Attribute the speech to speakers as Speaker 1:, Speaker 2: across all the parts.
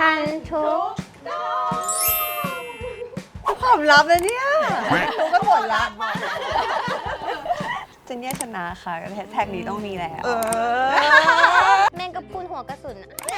Speaker 1: ทันทุก
Speaker 2: ความลับเลยเนี่ยรู้ก็หมดละเจนเนี่ยชนะค่ะแท็กนี้ต้องมีแล้ว
Speaker 1: แมงกะพรุนหัวกระสุน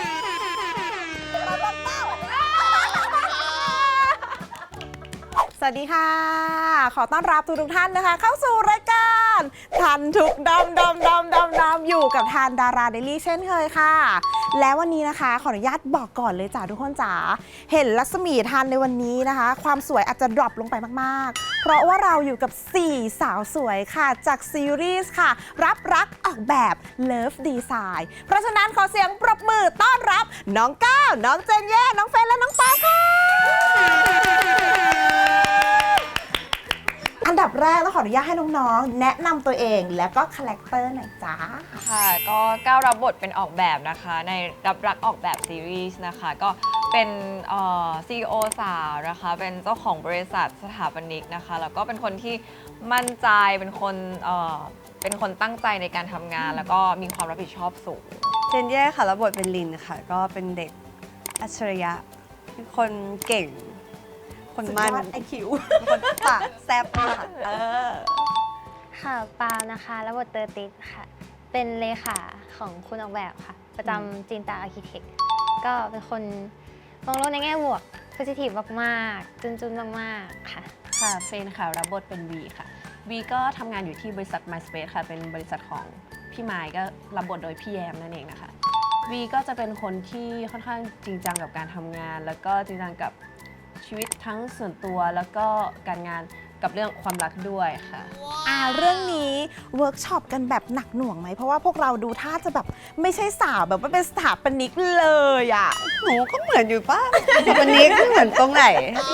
Speaker 2: สวัสดีค่ะ ขอต้อนรับทุกท่านนะคะ เข้าสู่รายการทันทุกดอมอยู่กับทานดาราเดลี่เช่นเคยค่ะ และวันนี้นะคะขออนุญาตบอกก่อนเลยจ้าทุกคนจ๋าเห็นรัศมีทันในวันนี้นะคะ ความสวยอาจจะดรอปลงไปมากๆ เพราะว่าเราอยู่กับ 4 สาวสวยค่ะจากซีรีส์ค่ะรับรักออกแบบ Love Design เพราะฉะนั้นขอเสียงปรบมือต้อนรับน้องก้าวน้องเจนเย่น้องเฟนและน้องปาค่ะอันดับแรกต้องขออนุญาตให้น้องๆแนะนำตัวเองและก็คาแรคเตอร์หน่อยจ้า
Speaker 3: ค่ะก็ก้าวรับบทเป็นออกแบบนะคะในรับรักออกแบบซีรีส์นะคะก็เป็นCEO สาวนะคะเป็นเจ้าของบริษัทสถาปนิกนะคะแล้วก็เป็นคนที่มั่นใจเป็นคนตั้งใจในการทำงานแล้วก็มีความรับผิดชอบสูง
Speaker 2: เจนเย่ค่ะรับบทเป็นลินค่ะก็เป็นเด็กอัจฉริยะเป็นคนเก่งคนมันไอคิวคนปากแซ่บค่ะ
Speaker 1: ค่ะปานะคะรับบทเตอร์ติสค่ะเป็นเลขาของคุณออกแบบค่ะประจำจินตาอาร์คิเทคก็เป็นคนมองโลกในแง่บวกโพซิทีฟมากๆจุนมากๆค่ะ
Speaker 4: ค่ะเฟนค่ะรับบทเป็นวีค่ะวีก็ทำงานอยู่ที่บริษัท MySpace ค่ะเป็นบริษัทของพี่ไมค์ก็รับบทโดยพี่แยมนั่นเองนะคะวีก็จะเป็นคนที่ค่อนข้างจริงจังกับการทำงานแล้วก็จริงจังกับชีวิตทั้งส่วนตัวแล้วก็การงานกับเรื่องความรักด้วยค่ะ
Speaker 2: เรื่องนี้เวิร์กช็อปกันแบบหนักหน่วงไหมเพราะว่าพวกเราดูท่าจะแบบไม่ใช่สาวแบบว่าเป็นสถาปนิกเลยอ่ะหนูก็เหมือนอยู่ป่ะวันนี้ก็เหมือนตรงไหน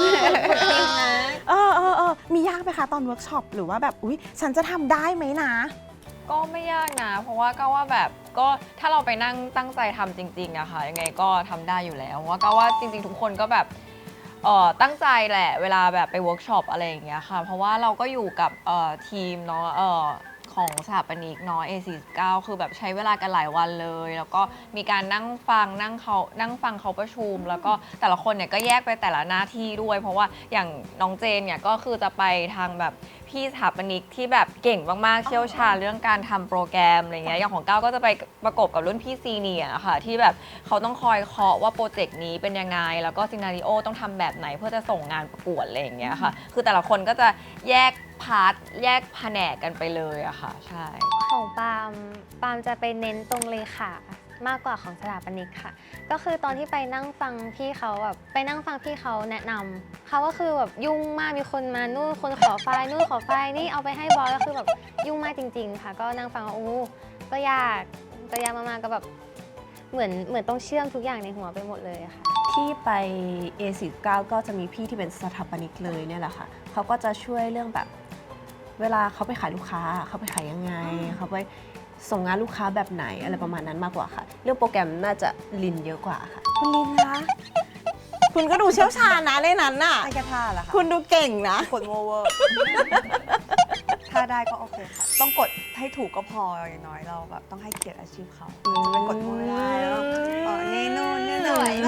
Speaker 2: มียากไหมคะตอนเวิร์กช็อปหรือว่าแบบอุ๊ยฉันจะทำได้ไหมนะ
Speaker 3: ก็ไม่ยากนะเพราะว่าก็ว่าแบบก็ถ้าเราไปนั่งตั้งใจทำจริงๆอะค่ะยังไงก็ทำได้อยู่แล้วเพราะว่าก็ว่าจริงๆทุกคนก็แบบตั้งใจแหละเวลาแบบไปเวิร์กช็อปอะไรอย่างเงี้ยค่ะเพราะว่าเราก็อยู่กับทีมเนาะของสถาปนิกเนาะ A49 คือแบบใช้เวลากันหลายวันเลยแล้วก็มีการนั่งฟังเขาประชุมแล้วก็แต่ละคนเนี่ยก็แยกไปแต่ละหน้าที่ด้วยเพราะว่าอย่างน้องเจนเนี่ยก็คือจะไปทางแบบพี่สถาปนิกที่แบบเก่งมากๆเชี่ยวชาญเรื่องการทำโปรแกรมอะไรเงี้ยอย่างของก้าวก็จะไปประกบกับรุ่นพี่ซีเนียร์ค่ะที่แบบเขาต้องคอยเคาะว่าโปรเจกต์นี้เป็นยังไงแล้วก็ซีนาริโอต้องทำแบบไหนเพื่อจะส่งงานประกวดอะไรอย่างเงี้ยค่ะคือแต่ละคนก็จะแยกพาร์ทแยกแผนกกันไปเลยอะค่ะใช่
Speaker 1: ของปาล์มจะไปเน้นตรงเลขามากกว่าของสถาปนิกค่ะก็คือตอนที่ไปนั่งฟังพี่เขาแบบไปนั่งฟังพี่เขาแนะนำเขาก็คือแบบยุ่งมากมีคนมานู่นคนขอไฟล์นู่นขอไฟล์นี่เอาไปให้บอสก็คือแบบยุ่งมากจริงๆค่ะก็นั่งฟังว่าก็ยากมากๆก็แบบเหมือนต้องเชื่อมทุกอย่างในหัวไปหมดเลยค่ะ
Speaker 4: ที่ไป A49 ก็จะมีพี่ที่เป็นสถาปนิกเลยเนี่ยแหละค่ะเขาก็จะช่วยเรื่องแบบเวลาเขาไปขายลูกค้าเขาไปขายยังไงเขาไปส่งงานลูกค้าแบบไหนอะไรประมาณนั้นมากกว่าค่ะเรื่องโปรแกรมน่าจะลินเยอะกว่าค่ะ
Speaker 2: คุณลินนะคุณก็ดูเชี่ยวชาญนะในนั้นน่ะ
Speaker 5: ไอ้กระท่าล่ะค่ะ
Speaker 2: คุณดูเก่งนะ
Speaker 5: กดโมเวอร์ถ้าได้ก็โอเคค่ะต้องกดให้ถูกก็พออย่างน้อยเราแบบต้องให้เกียรติอาชีพเขาจะไปกดโมไม่ได้แล้วนี่นู่นนี่หน่อย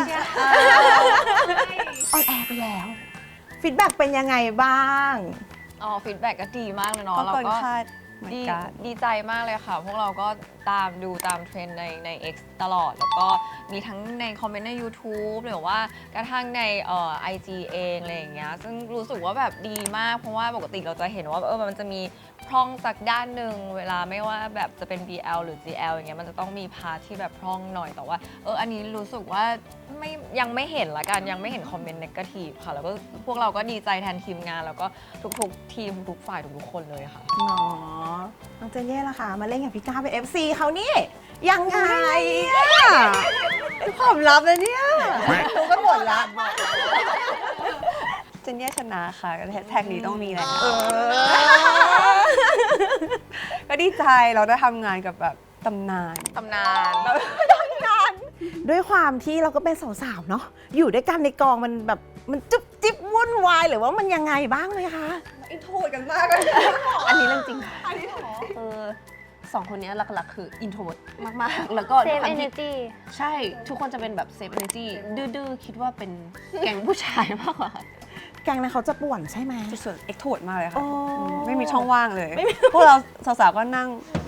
Speaker 2: ออนแอร์ไปแล้วฟีดแบ็กเป็นยังไงบ้าง
Speaker 3: ฟีดแบ็กก็ดีมากเลยเนาะเราก็ดีใจมากเลยค่ะพวกเราก็ดูตามเทรนด์ใน X ตลอดแล้วก็มีทั้งในคอมเมนต์ใน YouTube หรือว่ากระทั่งในIG เองอะไรอย่างเงี้ยซึ่งรู้สึกว่าแบบดีมากเพราะว่าปกติเราจะเห็นว่ามันจะมีพร่องจากด้านหนึ่งเวลาไม่ว่าแบบจะเป็น BL หรือ GL อย่างเงี้ยมันจะต้องมีพาร์ทที่แบบพร่องหน่อยแต่ว่าอันนี้รู้สึกว่ายังไม่เห็นละกันยังไม่เห็นคอมเมนต์เนกาทีฟค่ะแล้วก็พวกเราก็ดีใจแทนทีมงานแล้วก็ทุกทีมทุกฝ่ายทุกคนเลยค่ะ
Speaker 2: เนาะน้องเจนเย่ล่ะค่ะมาเล่นกับพี่ก้าวเป็น FC เขานี่ยังไงความลับเลยเนี่ยรู้ก็หมดละ
Speaker 5: เจนเนี่ยชนะค่ะแท็กนี้ต้องมีแล้วก็ดีใจเราได้ทำงานกับแบบตำนาน
Speaker 2: ด้วยความที่เราก็เป็นสาวๆเนาะอยู่ด้วยกันในกองมันแบบมันจุ๊บจิ๊บวุ่นวายหรือว่ามันยังไงบ้างเลยคะ
Speaker 5: อินโทรกันมากเลย
Speaker 4: อันนี้เรื่องจริงค่ะ 2 คนนี้หลักๆ คือ introvert มากๆ แล้วก็
Speaker 1: เซฟ
Speaker 4: ด้วยความ
Speaker 1: เอเน
Speaker 4: ที่
Speaker 1: จี
Speaker 4: ใช่ทุกคนจะเป็นแบบ safe energy ดื้อๆ คิดว่าเป็นแก๊งผู้ชายมากกว่า
Speaker 2: แกงนั้นเขาจะป่วนใช่ไหม
Speaker 5: ส่วนเอ็กโทดมากเลยค่ะ
Speaker 2: โอ้
Speaker 5: ไม่มีช่องว่างเลย พวกเราสาวๆก็นั่ง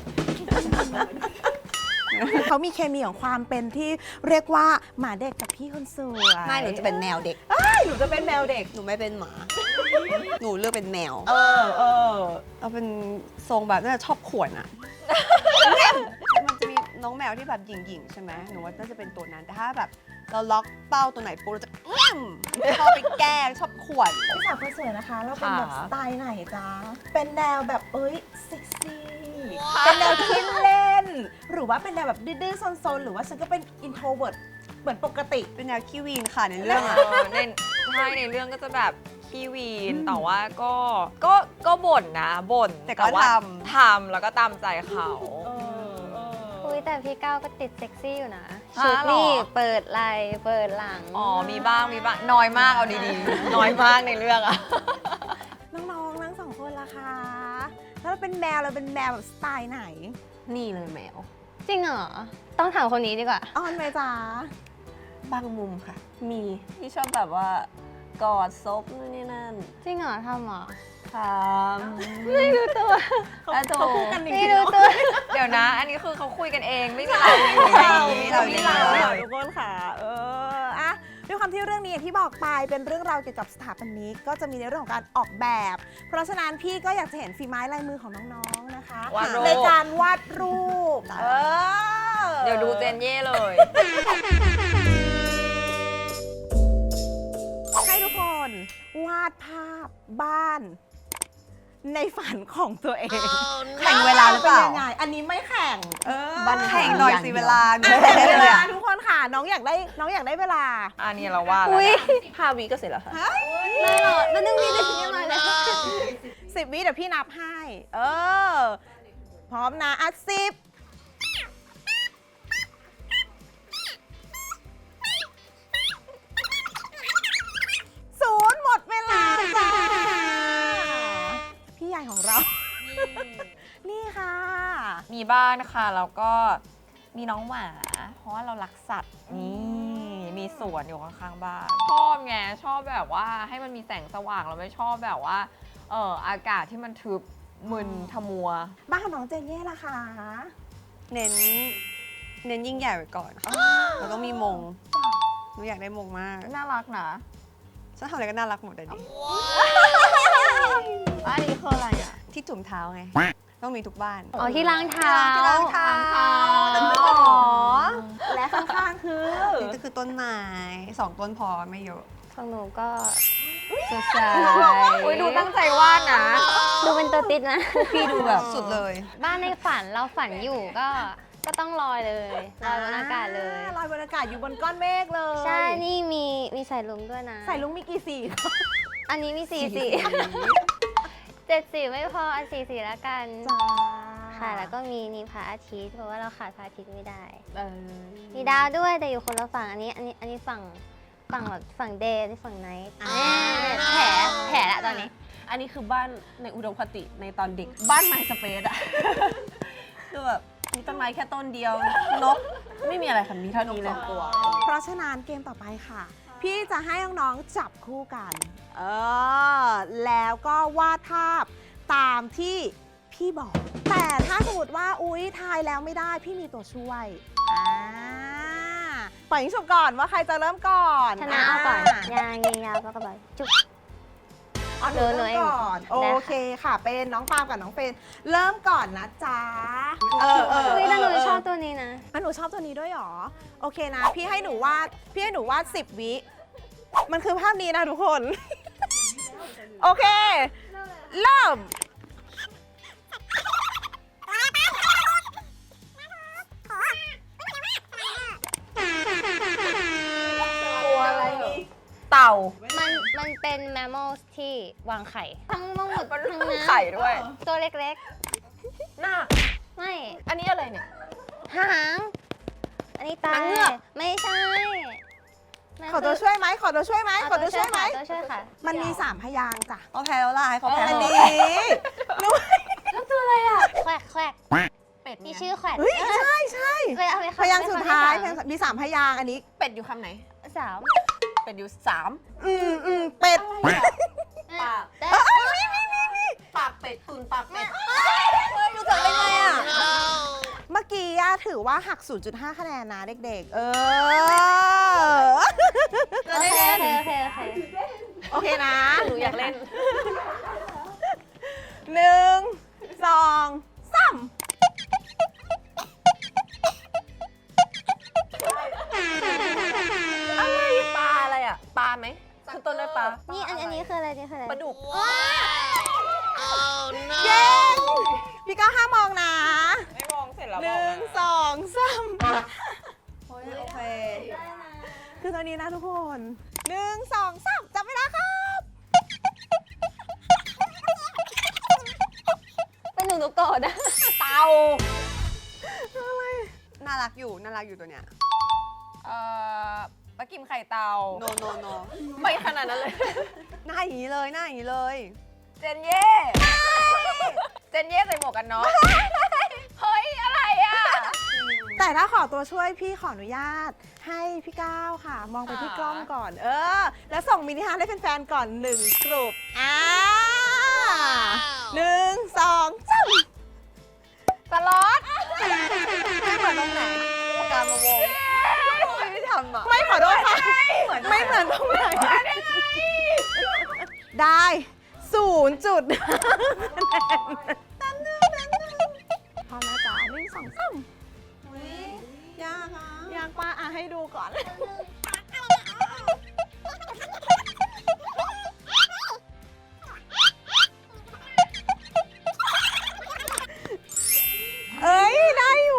Speaker 2: เขามีเคมีของความเป็นที่เรียกว่าหมาเด็กกับพี่คนสวย
Speaker 5: ไม่หนูจะเป็นแมวเด็ก
Speaker 2: หนูจะเป็นแมวเด็ก
Speaker 5: หนูไม่เป็นหมา หนูเลือกเป็นแมว
Speaker 2: เออ
Speaker 5: เอาเป็นทรงแบบน่าจะชอบข่วนอะ มันจะมีน้องแมวที่แบบหยิ่งๆใช่ไหมหนูว่าน่าจะเป็นตัวนั้น แต่ถ้าแบบเราล็อกเป้าตัวไหนปุ๊บเราจะชอบไปแกล้งชอบข่วน
Speaker 2: พี่สาวคนสวยนะคะ เราเป็นแบบ
Speaker 3: ค่ะ
Speaker 2: สไตล์ไหนจ๊ะ เป็นแนวแบบเซ็กซี่ เป็นแนวขี้เล่น หรือว่าเป็นแนวแบบดื้อๆซนๆ หรือว่าฉันก็เป็นอินโทรเวิร์ตเหมือนปกติ
Speaker 5: เป็นแนวขี้วีนค่ะในเรื่องอะ
Speaker 3: ในเรื่องก็จะแบบขี้วีน แต่ว่าก็บ่นนะบ่น
Speaker 5: แต่ก็
Speaker 3: ว่า
Speaker 5: ท
Speaker 3: ทำแล้วก็ตามใจเขา
Speaker 1: อุ้ยแต่พี่ก้าวก็ติดเซ็กซี่อยู่นะ
Speaker 3: ฮะ
Speaker 1: ชุด
Speaker 3: หรอ
Speaker 1: นี่เปิดไหล่เปิดหลัง
Speaker 3: อ๋อมีบ้างน้อยมากเอาดีๆ น้อยมากในเรื่องอะ
Speaker 2: น้องๆทั้งสองคนล่ะคะถ้าเราเป็นแมวเราเป็นแมวแบบสไตล์ไหน
Speaker 4: นี่เลยแมว
Speaker 1: จริงเหรอ ต้องถามคนนี้ดีกว่า
Speaker 2: อ้อนไหมจ๊ะ
Speaker 4: บางมุมค่ะ มีที่ชอบแบบว่ากอดซบนู่นนี่นั่น
Speaker 1: จริงเหรอทำเหรอ
Speaker 4: ทำไม่รู้ตัวแล้วโถ
Speaker 2: เขาคู่กันจริงๆ
Speaker 1: ไม่รู้
Speaker 2: เนอะ
Speaker 1: ตัว
Speaker 3: เดี๋ยวนะ อันนี้คือเขาคุยกันเองไม่มีเราอยู่ในนี้
Speaker 5: เรา
Speaker 2: มี
Speaker 5: เรา
Speaker 2: เราทุกคนค่ะ อะด้วยความที่เรื่องนี้อย่างที่บอกไปเป็นเรื่องราวเกี่ยวกับสถาปนิกก็จะมีในเรื่องของการออกแบบ เพราะฉะนั้นพี่ก็อยากจะเห็นฝีไม้ลายมือของน้องๆนะคะ
Speaker 3: วาดรูป
Speaker 2: ในการวาดรูป
Speaker 3: เดี๋ยวดูเจนเย่เลย
Speaker 2: ให้ทุกคนวาดภาพบ้าน ในฝันของตัวเอง
Speaker 5: แข่งเวลาหรือเปล่า
Speaker 2: นยังไงอันนี้ไม่แข่ง
Speaker 5: บ้านแข่งหน่อยสิเวลาหนู
Speaker 2: อ่ะ
Speaker 5: แข่ง
Speaker 2: ได้
Speaker 5: ได้
Speaker 2: เว
Speaker 5: เลย
Speaker 2: ลา
Speaker 5: อะ
Speaker 2: ทุกคนค่ะน้องอยากได้เวลา
Speaker 3: อันนี้เราว่าแล้ว
Speaker 1: อุ้ย
Speaker 3: นะ
Speaker 4: 5 วิก็เสร็จแล้วค่ะ
Speaker 1: ไม่หรอกนั่นนึงมีแต่ที่มาแล้ว
Speaker 2: 10 วิเดี๋ยวพี่นับให้ พร้อมนะอ่ะ10 0หมดเวลาจ้า พี่ใหญ่ของเรา นี่ค่ะ
Speaker 3: มีบ้านค่ะแล้วก็มีน้องหมา เพราะว่าเรารักสัตว์นี่มีสวนอยู่ข้างๆบ้านชอบไงชอบแบบว่าให้มันมีแสงสว่างเราไม่ชอบแบบว่าอากาศที่มันทึบมึนทมัว
Speaker 2: บ้านของน้องเจนเย่ล่ะคะ
Speaker 5: เน้นยิ่งใหญ่ไว้ก่อนค่ะเราต้องมีมง หนูอยากได้มงมาก
Speaker 3: น่ารักนะ
Speaker 5: ฉันทำอะไรก็น่ารักหมดเลยดิ
Speaker 3: อันนี้คืออะไรอ่ะ
Speaker 5: ที่จุ่มเท้าไง ต้องมีทุกบ้าน
Speaker 1: อ๋อที่ล้างเท้า
Speaker 5: ที่ล้างเท้า
Speaker 2: อ๋อ และข้างๆคือ
Speaker 5: นี่ก็คือต้นไม้2 ต้นพอไม่เยอะ
Speaker 1: ของหนูก็สดใส
Speaker 3: อุ้ยดูตั้งใจวาดนะ
Speaker 1: ดูเป็นตัวติดนะ
Speaker 5: พี่ดูแบบสุดเลย
Speaker 1: บ้านในฝันเราฝันอยู่ก็ต้องลอยเลยลอยบนอากาศเลย
Speaker 2: ลอยบนอากาศอยู่บนก้อนเมฆเลย
Speaker 1: ใช่ นี่มีสายลุงด้วยนะ
Speaker 2: ใส่ลุงมีกี่สี
Speaker 1: อันนี้มี4 สี7 สีไม่พออัน4 สีแล้วกัน
Speaker 2: จ้า
Speaker 1: ค่ะ แล้วก็มีพระอาทิตย์เพราะว่าเราขาดพระอาทิตย์ไม่ได้
Speaker 4: เออ
Speaker 1: มีดาวด้วยแต่อยู่คนละฝั่งอันนี้ฝั่งแบบฝั่งเดย์นี่ฝั่งไนท์แผลละตอนนี้
Speaker 4: อันนี้คือบ้านในอุดมคติในตอนเด็ก บ้านไม้สเปซอะ คือแบบมีต้นไม้แค่ต้นเดียวนกไม่มีอะไรค่ะมีเท่านี้เลย
Speaker 2: เพราะฉะนั้นเกมต่อไปค่ะ พี่จะให้น้องๆจับคู่กัน แล้วก็วาดภาพตามที่พี่บอก แต่ถ้าสมมติว่าอุ๊ยทายแล้วไม่ได้พี่มีตัวช่วยปล่อยยิงฉุบก่อนว่าใครจะเริ่มก่อน
Speaker 1: ชนะเอาก่อนยางยิงยาวก็กระบอกจุ๊บ
Speaker 2: เอาหนูเริ่มก่อน โอเคค่ะ เป็นน้องปาล์มกับน้องเฟรนเริ่มก่อนนะจ๊ะ
Speaker 1: อุ้ยแต่หนูชอบตัวนี้นะ
Speaker 2: หนูชอบตัวนี้ด้วยเหรอ โอเคนะ พี่ให้หนูวาด10 วิ มันคือภาพนี้นะทุกคน โอเค เริ่ม
Speaker 3: ตัวอะไรเต่า
Speaker 1: มันเป็นแมมมอลที่วางไข่ ทั้งหมดทั้งนั้น
Speaker 3: ไข่ด้วย
Speaker 1: ตัวเล็ก
Speaker 3: หน้า
Speaker 1: ๆ ไม่
Speaker 3: อันนี้อะไรเนี่ย
Speaker 1: หาง อันนี้ตา
Speaker 3: หางเงือก
Speaker 1: ไม่ใช่
Speaker 2: ขอตัวช่วยไหม ขอตัวช่วยไหม
Speaker 1: เอา
Speaker 2: ขอตัวช่วยไหม
Speaker 1: ตัวช่วยค่ะ
Speaker 2: มันมี3 พยางค์จ้ะ
Speaker 5: เขาแพ้แล้วล่ะให้เขาแพ้
Speaker 2: อัน
Speaker 5: เถ
Speaker 2: นี้
Speaker 5: อะ
Speaker 1: แควกแควก
Speaker 4: เป็ด
Speaker 1: มี
Speaker 4: ไง
Speaker 1: ชื่อแขวน
Speaker 2: เฮ้ยใช่ใช่
Speaker 1: ไปเอาไป
Speaker 2: พยางค์สุดท้ายมี3พยางค์อันนี้
Speaker 4: เป็ดอยู่คำไหน
Speaker 1: สาม
Speaker 4: เป็ดอยู่
Speaker 2: เป็ด
Speaker 4: ปาก
Speaker 1: แต่
Speaker 4: 3 ปากเป็ดตุนปากเป็ด
Speaker 5: รู้จักได้ไงอ่ะ
Speaker 2: เมื่อกี้ถือว่าหัก 0.5 คะแนนนะเด็กๆ
Speaker 1: โอเค
Speaker 2: โอเคนะ
Speaker 4: หนูอยากเล่น
Speaker 2: 1 2 3
Speaker 4: ปลาอะไรอ่ะ ปลาไหมคือต้นด้วยปลา
Speaker 1: นี่อันนี้คืออะไรนี่คืออะไร
Speaker 4: ปลาดุก
Speaker 2: เย้พี่ก้าวห้ามมองนะ
Speaker 3: ไม่มองเสร็จแล้ว
Speaker 2: 1 2 3
Speaker 5: โอเค
Speaker 2: คือตอนนี้นะทุกคน 1 2 3 จับเวลาครับ
Speaker 1: เป็นหนูโกรธอะ
Speaker 4: เต่า
Speaker 5: น่ารักอยู่ตัวเนี้ย
Speaker 3: ปลากิมไข่เต่า
Speaker 5: โนโนโน
Speaker 3: ไม่ขนาดนั้นเลย
Speaker 5: หน้าอย่างนี้เลยหน้าอย่างนี้เลย
Speaker 3: เจนเย่เจนเย่ใส่หมวกกันน็อกเฮ้ย อะไรอ่ะ
Speaker 2: แต่ถ้าขอตัวช่วยพี่ขออนุญาตให้พี่ก้าวค่ะ มองไปที่กล้องก่อน แล้วส่งมินิฮาร์ทให้แฟนๆก่อน 1 กลุ่ม1 2 3
Speaker 3: สล็อต
Speaker 5: ไม่เหมือนตรงไหนการมาวงไม่ทำอ่ะ
Speaker 2: ไม่ขอโทษค่ะ ไม่เหมือนตรงไหนได้0 จุดพร้อมนะจ๊ะ1 2 3
Speaker 5: ยากอ่ะ
Speaker 2: อยากมาให้ดูก่อน เอ้ย ได้อยู่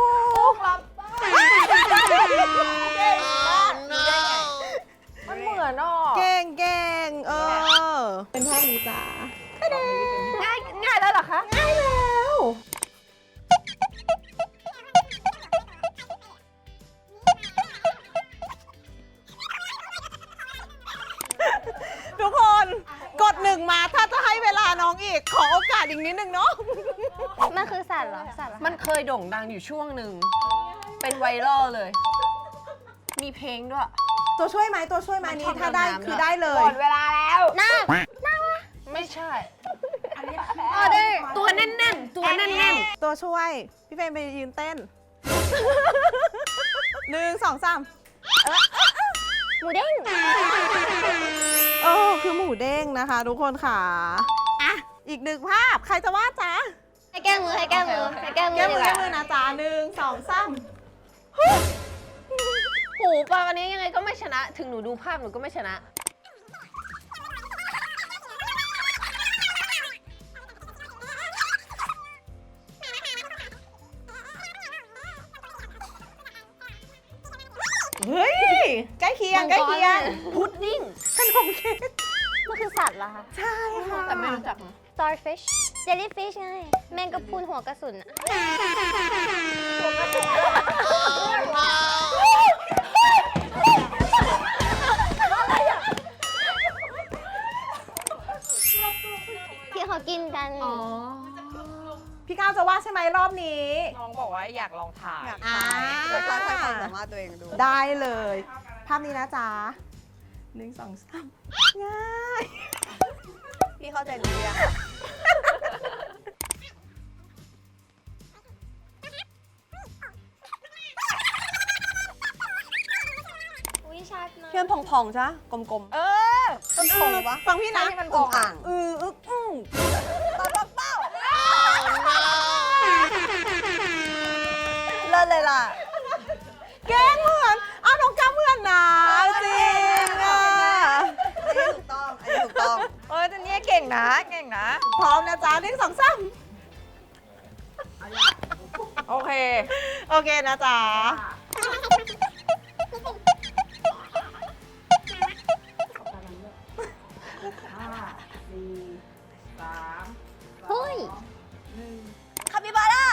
Speaker 3: มันเหมือนอ่ะ
Speaker 2: เก่งเป็นภาพนี้จ้า
Speaker 3: ง่ายแล้วเหรอคะ
Speaker 2: ง่ายแล้ว ทุกคนกด1มาถ้าจะให้เวลาน้องอีก ขอโอกาสอีกนิดนึงเนาะ
Speaker 1: มันคือสัตว์เหรอสัตว์เหรอ
Speaker 4: มันเคยโด่งดังอยู่ช่วงหนึ่ง เป็นไวรัลเลย มีเพลงด้วย
Speaker 2: ตัวช่วยไหมนี้ถ้าได้คือได้เล
Speaker 3: ห
Speaker 2: ย
Speaker 3: มดเวลาแล้ว
Speaker 1: หน้า
Speaker 4: ไม่ใช่
Speaker 1: ออเดอร์
Speaker 4: ตัวแน่นๆ ตัวแน่น
Speaker 2: ตัวช่วย พี่เฟรมไปยืนเต้น 1 2 3
Speaker 1: หมูเด้ง
Speaker 2: คือหมูเด้งนะคะทุกคนค่ะอ่ะ อีก1ภาพ ใครจะวาดจ๊ะ
Speaker 1: ให้แก้มือให้แก้มือให้แก้มือ
Speaker 2: แก้มือ
Speaker 1: ดี
Speaker 2: แก้
Speaker 1: กว่า
Speaker 2: มือนะจ๊ะ1 2 3
Speaker 4: ๆหูปลาวันนี้ยังไงก็ไม่ชนะ ถึงหนูดูภาพหนูก็ไม่ชนะ
Speaker 2: เฮ้ย ใกล้เคียงใกล้เคียง
Speaker 4: พุดดิ้ง
Speaker 2: ขนมเค้ก
Speaker 1: มันคือสัตว์เหรอคะ
Speaker 2: ใช่ค่ะ
Speaker 4: แต่ไม่รู้จักนะ
Speaker 1: starfish jellyfish ไง แมงกะพรุนหัวกระสุนอะ ที่เขากินกัน
Speaker 2: พี่ก้าวจะวาดใช่ไหมรอบนี้
Speaker 3: น้องบอกว่าอยากลองถ่าย
Speaker 5: อยากทายจะท้าทายความสามารถตัวเองดู
Speaker 2: ได้เลย ภาพนี้นะจ๊ะ1 2 3ง่าย
Speaker 5: พี่เข้าใจหนูยัง
Speaker 1: อุ้ยชัดนะ
Speaker 5: เพื่อนพองๆใช่กลม
Speaker 3: เออ
Speaker 5: ๆต้นพองปะ
Speaker 2: ฟังพี่นะ
Speaker 3: ใช่ที่มันพองอ่ะ
Speaker 5: เลิศเลยล่ะ
Speaker 2: แกล้งเหมือนอ้าวน้องก้าวเหมือนนะจริงอ่ะ
Speaker 5: อันนี้ถูกต้อง อันนี้ถูกต้อง
Speaker 3: เออเจนเย่เก่งนะ เก่งนะ
Speaker 2: พร้อมนะจ๊ะ1 2 3
Speaker 3: โอเค
Speaker 2: โอเคนะจ๊ะ
Speaker 1: เฮ้ย
Speaker 5: คาปิบาร่า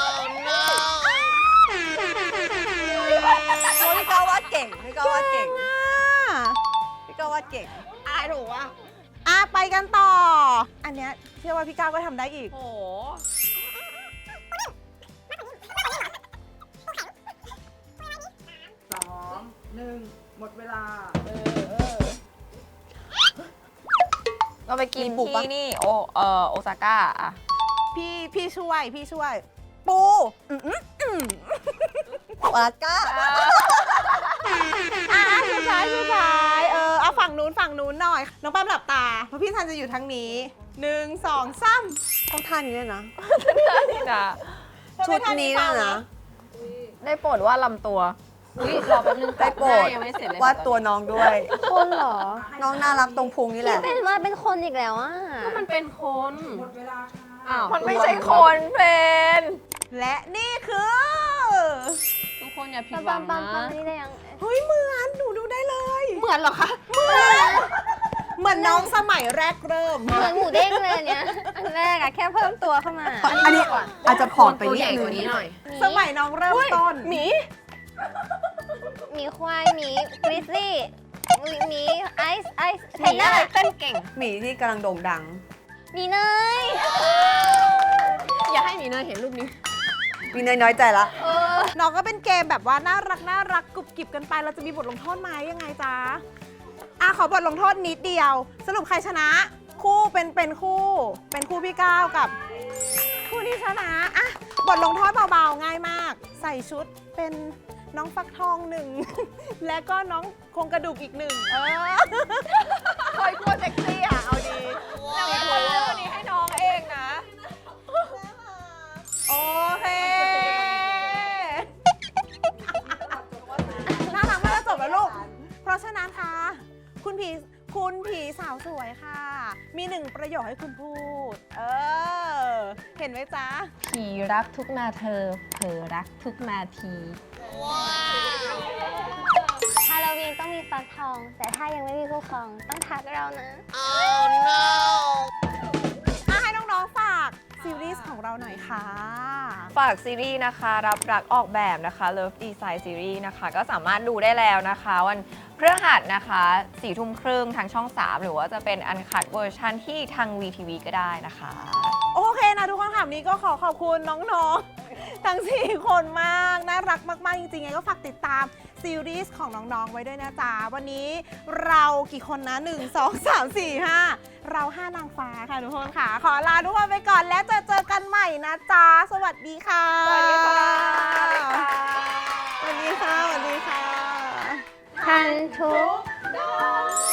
Speaker 5: พี่ก้าววาดเก่ง พี่ก้าววาดเก่ง พี่ก้าววาดเก่ง
Speaker 3: อะไรถูกวะ
Speaker 2: ไปกันต่อ อันเนี้ยเชื่อว่าพี่ก้าวก็ทำได้อีก
Speaker 3: โห
Speaker 2: 1 หมดเวลา
Speaker 3: เราไปกิน
Speaker 5: มีบุกปะ
Speaker 3: ที่นี่โอซาก้าอะ
Speaker 2: พี่ช่วย ปู
Speaker 5: ปาก้า
Speaker 2: สุดท้ายเอาฝั่งนู้นหน่อย น้องแป้มหลับตา เพราะพี่ทันจะอยู่ทางนี้ 1 2 3
Speaker 5: ต้องท่านี้ด้วยนะ
Speaker 3: นี่นะ
Speaker 5: ชุดนี้ด้วยนะ
Speaker 3: ได้โปรดว่าลำตัว
Speaker 4: อุ๊ยรอแป๊บนึง
Speaker 5: ได้โปรด
Speaker 4: หน้ายังไม่เสร็จเลยว
Speaker 5: าดตัวน้องด้วย
Speaker 1: คนเหรอ
Speaker 5: น้องน่ารักตรงพุงนี่แห
Speaker 1: พี่
Speaker 5: ละ
Speaker 1: เป็นว่าเป็นคนอีกแล้วอ่ะ
Speaker 4: ก็มันเป็นคนอ้าว
Speaker 3: มันไม่ใช่คนเป็น
Speaker 2: และนี่คือ
Speaker 4: ทุกคนอย่าผิด
Speaker 1: ปั๊ม
Speaker 4: หวั
Speaker 1: ปั๊
Speaker 4: ง
Speaker 1: มปั๊ม
Speaker 4: นะ
Speaker 1: ปั๊มนี่ได้ยัง
Speaker 2: เฮ้ยเหมือนหนูดูได้เลย
Speaker 4: เหมือนเหรอคะ
Speaker 2: เหมือนน้องสมัยแรกเริ่ม
Speaker 1: เหมือนหมูเด้งเลยอันเนี่ยอันแรกอะแค่เพิ่มตัวเข้ามา
Speaker 5: อันนี้อาจจะผอมไป
Speaker 4: ตัว
Speaker 5: นิ
Speaker 4: ให
Speaker 5: ด
Speaker 4: ญ่
Speaker 5: นึ
Speaker 4: กว่านี้
Speaker 5: ง
Speaker 4: หน่อย
Speaker 2: สมัยน้องเริ่มต้น
Speaker 3: หมี
Speaker 1: หมีควายหมีกริซลี่หมีไอซ์เท
Speaker 4: หมี
Speaker 1: นเนอ
Speaker 4: อะไร
Speaker 1: ร์
Speaker 4: เต้นเก่ง
Speaker 5: หมีที่กำลังโด่งดัง
Speaker 1: หมีเนย
Speaker 4: อย่าให้หมีเนยเห็นรูปนี้
Speaker 5: มีเนยน้อยใจละ
Speaker 2: น้องก็เป็นเกมแบบว่าน่ารักกรุบกริบกันไป เราจะมีบทลงโทษไหมยังไงจ๊ะขอบทลงโทษนิดเดียว สรุปใครชนะ คู่เป็นคู่พี่ก้าวกับ คู่ที่ชนะบทลงโทษเบาๆง่ายมาก ใส่ชุดเป็นน้องฟักทองหนึ่ง และก็น้องโครงกระดูกอีกหนึ่งคอยกลัวเซ็กซี่เอาดี
Speaker 3: แล้วเป็นคนเลือกอันนี้ให้น้องเองนะ
Speaker 2: โอเค น่ารักมากแล้วจบแล้วลูก เพราะฉะนั้นค่ะ คุณผีสาวสวยค่ะ มีหนึ่งประโยคให้คุณพูด เห็นไหมจ๊ะ
Speaker 4: ผีรักทุกนาเธอ เผลอรักทุกนาที
Speaker 1: ฮาโลวีนต้องมีฟักทอง แต่ถ้ายังไม่มีคู่ครองต้องทักเรานะ
Speaker 2: ให้น้องๆฝากซีรีส์ของเราหน่อยค่ะ
Speaker 3: ฝากซีรีส์นะคะ รับรักออกแบบนะคะ Love Design Series นะคะ ก็สามารถดูได้แล้วนะคะ วันพฤหัสนะคะ4 ทุ่มครึ่งทางช่อง 3 หรือว่าจะเป็นอันคัดเวอร์ชันที่ทาง VTV ก็ได้นะคะ
Speaker 2: โอเคนะทุกคนค่ะวันนี้ก็ขอบคุณน้องๆ ทั้ง 4 คนมาก น่ารักมากๆ จริงๆไงก็ฝากติดตามซีรีส์ของน้องๆ ไว้ด้วยนะจ๊ะ วันนี้เรากี่คนนะ 1 2 3 4 5 เรา 5 นางฟ้าค่ะทุกคนค่ะ ขอลาทุกคนไปก่อนแล้วเจอกันใหม่นะจ๊ะ สวัสดีค่ะ
Speaker 3: สวัสดีค่ะ
Speaker 2: สวัสดีค่ะ
Speaker 1: ทันทุก